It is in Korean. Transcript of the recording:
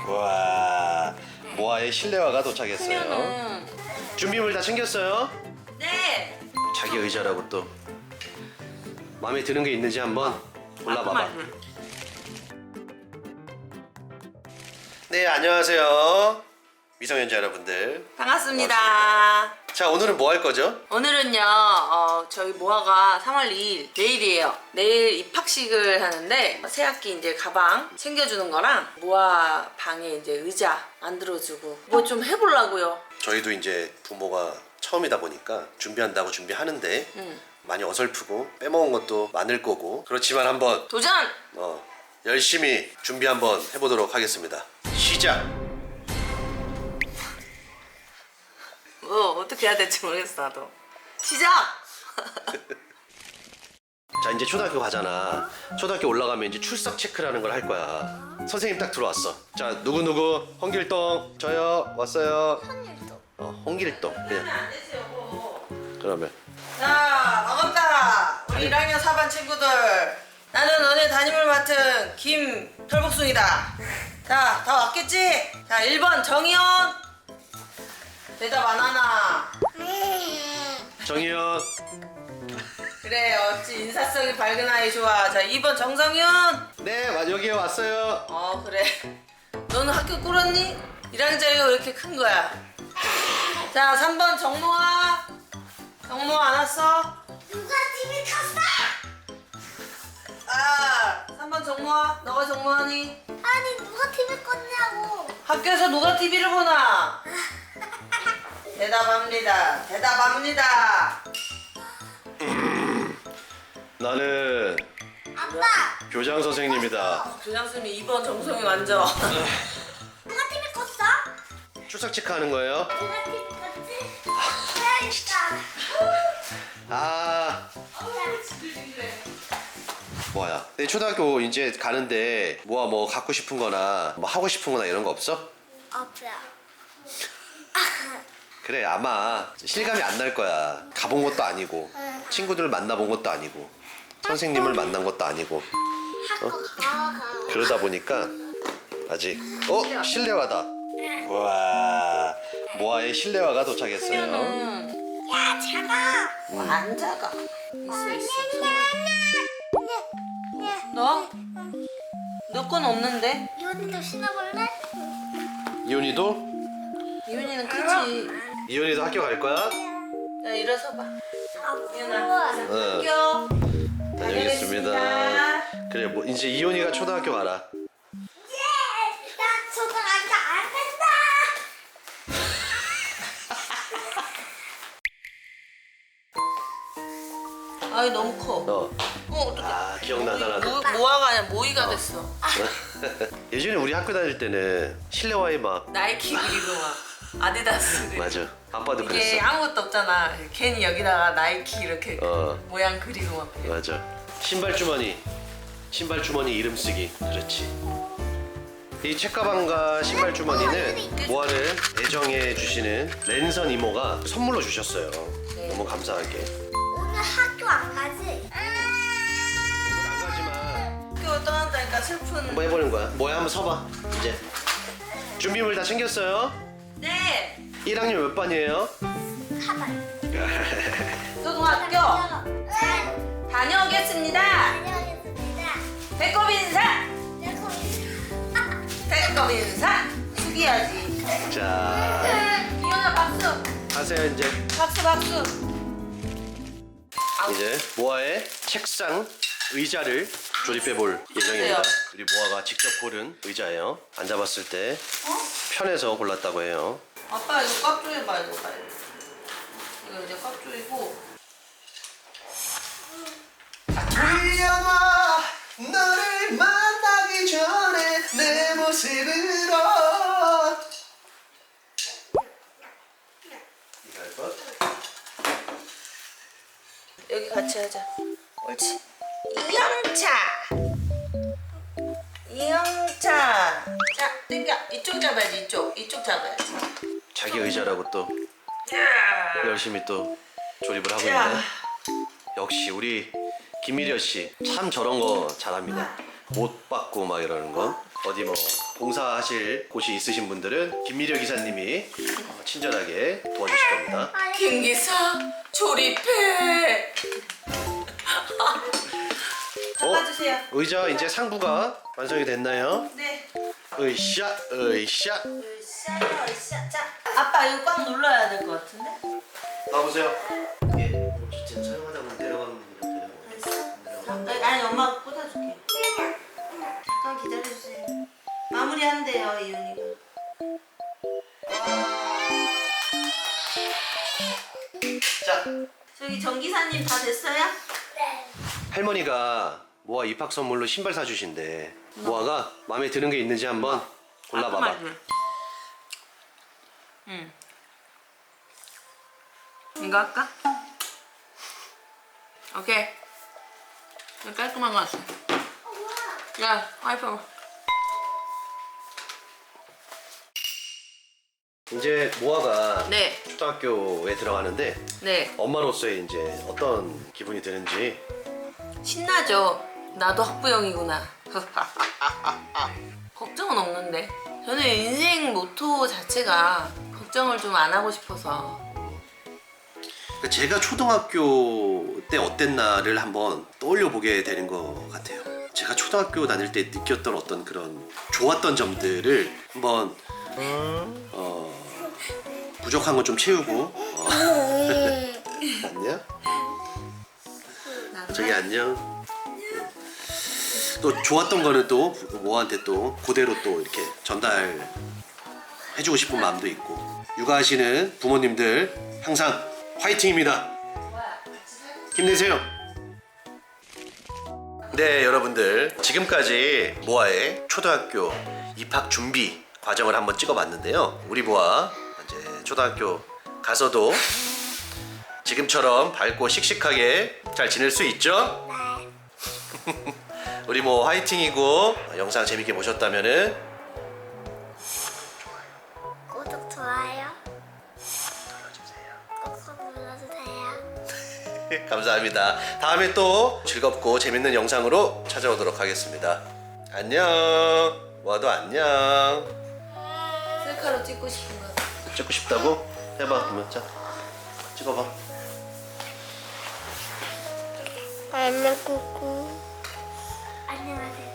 와, 모아의 실내화가 도착했어요. 준비물 다 챙겼어요? 네. 자기 의자라고 또 마음에 드는 게 있는지 한번 골라봐봐. 네, 안녕하세요. 미성년자 여러분들. 반갑습니다. 자, 오늘은 뭐 할 거죠? 오늘은요, 저희 모아가 3월 2일 내일이에요. 내일 입학식을 하는데 새학기 이제 가방 챙겨주는 거랑 모아 방에 이제 의자 만들어주고 뭐 좀 해보려고요. 저희도 이제 부모가 처음이다 보니까 준비한다고 준비하는데 많이 어설프고 빼먹은 것도 많을 거고 그렇지만 한번 도전! 열심히 준비 한번 해보도록 하겠습니다. 시작! 뭐 어떻게 해야 될지 모르겠어 나도. 시작! 자, 이제 초등학교 가잖아. 초등학교 올라가면 이제 출석 체크라는 걸 할 거야. 선생님 딱 들어왔어. 자, 누구누구 홍길동 저요 왔어요. 홍길동 그냥. 안 되지 여보. 그러면 자, 반갑다. 우리 1학년 4반 친구들. 나는 너네 담임을 맡은 김털복숭이다. 자, 다 왔겠지? 자, 1번 정희원. 대답 안 하나. 정희연. 그래, 어찌 인사성이 밝은 아이 좋아. 자, 2번 정성윤. 네, 여기에 왔어요. 그래. 너는 학교 꾸렸니? 1학년짜리가 왜 이렇게 큰 거야? 자, 3번 정모아. 정모아 안 왔어? 누가 TV 켰어? 3번 정모아. 너가 정모하니? 아니 누가 TV 껐냐고. 학교에서 누가 TV를 보나? 대답합니다. 대답합니다. 나는 아빠 교장 선생님이다. 교장 선생님 2번 정성이 완전. 누가 TV 껐어? 출석 체크하는 거예요. 누가 TV 껐지? 해야겠다. 아, 뭐야? 내 초등학교 이제 가는데 뭐 갖고 싶은 거나 뭐 하고 싶은 거나 이런 거 없어? 없어요. 그래, 아마 실감이 안 날 거야. 가본 것도 아니고 친구들을 만나본 것도 아니고 선생님을 만난 것도 아니고 그러다 보니까 아직 실내화다. 와, 모아의 실내화가 도착했어요. 야 작아. 안 작아. 있어. 너? 너 건 없는데? 이혼이도 신어볼래? 이혼이도? 이윤이는 크지. 이혼이도 학교 갈 거야? 야, 일어서 봐. 아빠. 응. 학교. 다녀오겠습니다. 그래, 뭐 이제 이혼이가 초등학교 가라. 예! 나 초등학교 안 간다. 아이 너무 커. 어떡해. 아, 기억나다 나도. 모아가 아니라 모이가 됐어. 예전에 우리 학교 다닐 때는 실내화에 막 나이키 그리고 막 아디다스 그리고. 맞아. 아빠도 이게 그랬어. 아무것도 없잖아. 괜히 여기다가 나이키 이렇게 모양 그리고 막 그래. 맞아. 신발 주머니 이름 쓰기. 그렇지. 이 책가방과 신발 주머니는 모아를 애정해 주시는 랜선 이모가 선물로 주셨어요. 너무 감사하게. 오늘 학교 안 가지? 오늘 안 가지만 학교 떠난다니까 슬픈. 한번 해보는 거야. 뭐야, 한번 서봐. 이제 준비물 다 챙겼어요? 네. 1학년 몇 반이에요? 가방. 초등학교 네. 다녀오겠습니다. 다녀오겠습니다. 배꼽 인사. 내 거기. 배꼽 인사. 숙여야지. 자, 이현아 박수. 하세요 이제. 박수. 이제 모아의 책상 의자를 조립해 볼 예정입니다. 우리 모아가 직접 고른 의자예요. 앉아봤을 때 편해서 골랐다고 해요. 아빠 이거 꽉 조여봐 이거 빨리. 이거 이제 꽉 조이고. 불려놔 너를 만나기 전에 내 모습으로. 이거 할 것? 여기 같이 하자. 옳지. 이영차. 자, 땡겨. 이쪽 잡아야지. 이쪽 잡아야지. 자기 의자라고 또 열심히 또 조립을 하고 자. 있네. 역시 우리 김미려 씨 참 저런 거 잘합니다. 못 받고 막 이러는 거. 어디 뭐 봉사하실 곳이 있으신 분들은 김미려 기사님이 친절하게 도와주실 겁니다. 김 기사 조립해. 잡아주세요. 의자 이제 상부가 완성이 됐나요? 네. 으쌰 으쌰. 으쌰. 자, 아빠 이거 꽉 눌러야 될 것 같은데? 나보세요. 이게 어쨌든 사용하다 보면 내려가는 분이 아니 엄마가 꽂아줄게. 잠깐 기다려주세요. 마무리한대요 이윤이가. 자, 저기 전기사님 다 됐어요? 네. 할머니가 모아 입학 선물로 신발 사주신대. 모아가 마음에 드는 게 있는지 한번 골라봐봐. 응. 이거 할까? 오케이. 이거 깔끔한 거 같아. 야, 와이프. 이제 모아가 네, 초등학교에 들어가는데 네. 엄마로서의 이제 어떤 기분이 드는지. 신나죠? 나도 학부형이구나. 걱정은 없는데. 저는 인생 모토 자체가 걱정을 좀 안 하고 싶어서. 제가 초등학교 때 어땠나를 한번 떠올려 보게 되는 것 같아요. 제가 초등학교 다닐 때 느꼈던 어떤 그런 좋았던 점들을 한번 부족한 건 좀 채우고 안녕? 저기 안녕. 또 좋았던 거는 또 모아한테 또 그대로 또 이렇게 전달해주고 싶은 마음도 있고. 육아하시는 부모님들 항상 화이팅입니다. 힘내세요. 네, 여러분들 지금까지 모아의 초등학교 입학 준비 과정을 한번 찍어봤는데요. 우리 모아 이제 초등학교 가서도 지금처럼 밝고 씩씩하게 잘 지낼 수 있죠? 우리 뭐 화이팅이고, 영상 재밌게 보셨다면은 구독, 좋아요. 꾹꾹 눌러주세요. 감사합니다. 다음에 또 즐겁고 재밌는 영상으로 찾아오도록 하겠습니다. 안녕. 모아도 안녕. 셀카로 찍고 싶은 거. 찍고 싶다고? 해봐. 그러면 자, 찍어봐. 안녕, 꾸꾸. 안녕하세요.